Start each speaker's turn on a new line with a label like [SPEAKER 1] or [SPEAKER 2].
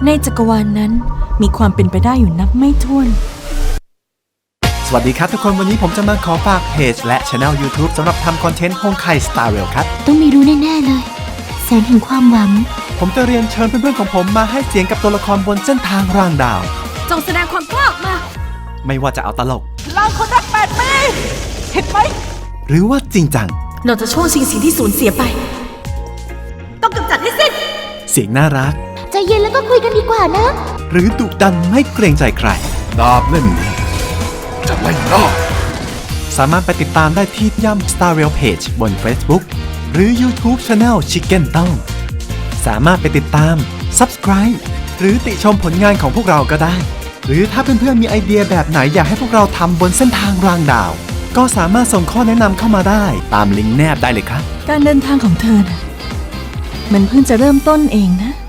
[SPEAKER 1] ในจักรวาลนั้นมีความเป็นไปได้อยู่นับไม่ถ้วน
[SPEAKER 2] สวัสดีครับทุกคนวันนี้ผมจะมาขอฝากเพจและ Channel YouTube สำหรับทำคอนเทนต์ฮงไค Star Rail ครับ
[SPEAKER 3] ต้องมีรู้แน่ๆเลยแสงแห่งความหวัง
[SPEAKER 2] ผมจะเรียนเชิญเพื่อนๆของผมมาให้เสียงกับตัวละครบนเส้นทางรางดาว
[SPEAKER 1] จงแสดงความกล้าออกมา
[SPEAKER 2] ไม่ว่าจะเอาตลก
[SPEAKER 1] ลองคนรัก8 ปีเห็นไหม
[SPEAKER 2] หรือว่าจริงจัง
[SPEAKER 1] เราจะช่วงชิงสิ่งที่สูญเสียไปต้องกำจัดให้สิ้น
[SPEAKER 2] เสียงน่ารัก
[SPEAKER 3] ใจเย็นแล้วก็คุยกันดีกว่านะ
[SPEAKER 2] หรือดุดันไม่เกรงใจใคร
[SPEAKER 4] ดาบเล่มนี้จะไล่ล่า
[SPEAKER 2] สามารถไปติดตามได้ที่ย่ำ Star Rail Page บน Facebook หรือ YouTube Channel Chicken ต้องสามารถไปติดตาม Subscribe หรือติชมผลงานของพวกเราก็ได้หรือถ้าเพื่อนๆมีไอเดียแบบไหนอยากให้พวกเราทำบนเส้นทางรางดาวก็สามารถส่งข้อแนะนำเข้ามาได้ตามลิงก์แนบได้เลยครับ
[SPEAKER 1] การเดินทางของเธอนะมันเพิ่งจะเริ่มต้นเองนะ